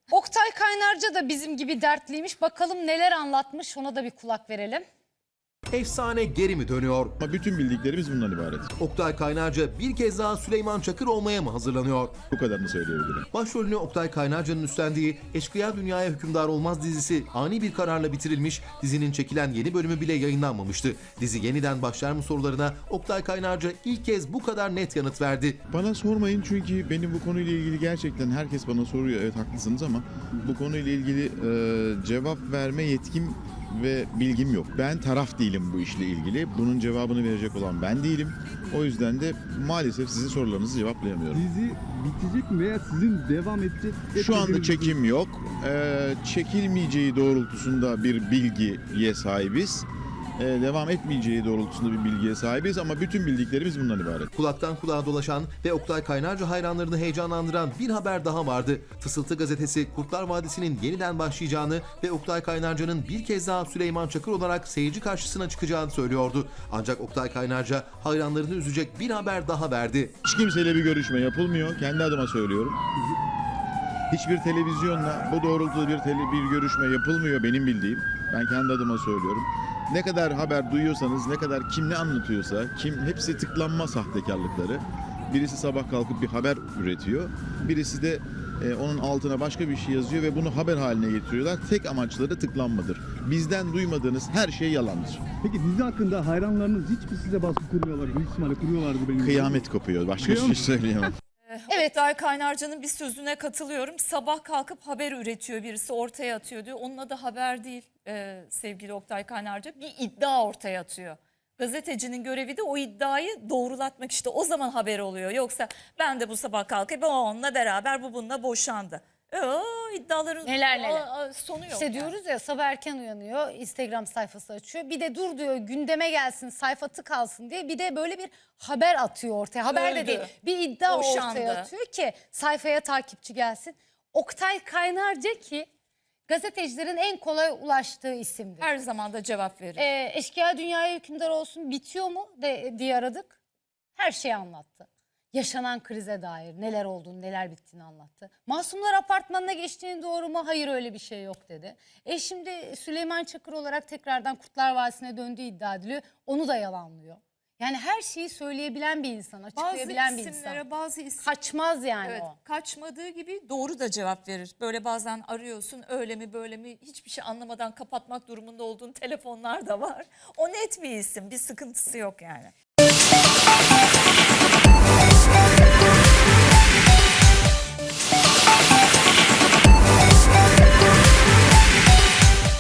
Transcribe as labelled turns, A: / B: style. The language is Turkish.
A: Oktay Kaynarca da bizim gibi dertliymiş. Bakalım neler anlatmış, ona da bir kulak verelim.
B: Efsane geri mi dönüyor?
C: Ama bütün bildiklerimiz bundan ibaret.
B: Oktay Kaynarca bir kez daha Süleyman Çakır olmaya mı hazırlanıyor?
C: Bu kadarını söyleyebilirim.
B: Başrolünü Oktay Kaynarca'nın üstlendiği Eşkıya Dünyaya Hükümdar Olmaz dizisi ani bir kararla bitirilmiş, dizinin çekilen yeni bölümü bile yayınlanmamıştı. Dizi yeniden başlar mı sorularına Oktay Kaynarca ilk kez bu kadar net yanıt verdi.
C: Bana sormayın çünkü benim bu konuyla ilgili gerçekten herkes bana soruyor. Evet haklısınız ama bu konuyla ilgili cevap verme yetkim ve bilgim yok. Ben taraf değilim bu işle ilgili. Bunun cevabını verecek olan ben değilim. O yüzden de maalesef sizin sorularınızı cevaplayamıyorum.
D: Dizi bitecek mi veya sizin devam edecek?
C: Şu anda çekim yok. Çekilmeyeceği doğrultusunda bir bilgiye sahibiz. Devam etmeyeceği doğrultusunda bir bilgiye sahibiz ama bütün bildiklerimiz bundan ibaret.
B: Kulaktan kulağa dolaşan ve Oktay Kaynarca hayranlarını heyecanlandıran bir haber daha vardı. Fısıltı gazetesi Kurtlar Vadisi'nin yeniden başlayacağını ve Oktay Kaynarca'nın bir kez daha Süleyman Çakır olarak seyirci karşısına çıkacağını söylüyordu. Ancak Oktay Kaynarca hayranlarını üzecek bir haber daha verdi.
C: Hiç kimseyle bir görüşme yapılmıyor. Kendi adıma söylüyorum. Hiçbir televizyonla bu doğrultuda bir görüşme yapılmıyor benim bildiğim. Ben kendi adıma söylüyorum. Ne kadar haber duyuyorsanız, ne kadar kim ne anlatıyorsa, hepsi tıklanma sahtekarlıkları. Birisi sabah kalkıp bir haber üretiyor. Birisi de onun altına başka bir şey yazıyor ve bunu haber haline getiriyorlar. Tek amaçları tıklanmadır. Bizden duymadığınız her şey yalandır.
D: Peki dizi hakkında hayranlarınız hiç mi size baskı kurmuyorlar? Büyük ihtimalle kuruyorlardı benim.
C: Kıyamet kopuyor. Başka bir şey söyleyemem.
A: Evet.
E: Oktay Kaynarca'nın bir sözüne katılıyorum. Sabah kalkıp haber üretiyor birisi, ortaya atıyor diyor. Onun adı haber değil sevgili Oktay Kaynarca. Bir iddia ortaya atıyor. Gazetecinin görevi de o iddiayı doğrulatmak, işte o zaman haber oluyor. Yoksa ben de bu sabah kalkıp o onunla beraber, bu bununla boşandı. İddiaların
A: Neler.
E: sonu yok.
A: İşte diyoruz ya, sabah erken uyanıyor, Instagram sayfası açıyor. Bir de dur diyor, gündeme gelsin, sayfa tıkalsın diye bir de böyle bir haber atıyor ortaya. Haber de
E: Öldü.
A: değil, bir iddia
E: Boşandı.
A: ortaya atıyor ki sayfaya takipçi gelsin. Oktay Kaynarca ki gazetecilerin en kolay ulaştığı isimdir.
E: Her zaman da cevap verir.
A: Eşkıya Dünyaya Hükümdar Olsun bitiyor mu diye aradık. Her şeyi anlattı. Yaşanan krize dair neler olduğunu, neler bittiğini anlattı. Masumlar Apartmanı'na geçtiğini doğru mu? Hayır, öyle bir şey yok dedi. Şimdi Süleyman Çakır olarak tekrardan Kurtlar Vadisi'ne döndüğü iddia ediliyor. Onu da yalanlıyor. Yani her şeyi söyleyebilen bir insan, açıklayabilen bir insan.
E: Bazı isimlere
A: Kaçmaz yani
E: evet,
A: o.
E: kaçmadığı gibi doğru da cevap verir. Böyle bazen arıyorsun, öyle mi böyle mi, hiçbir şey anlamadan kapatmak durumunda olduğun telefonlar da var. O net bir isim, bir sıkıntısı yok yani.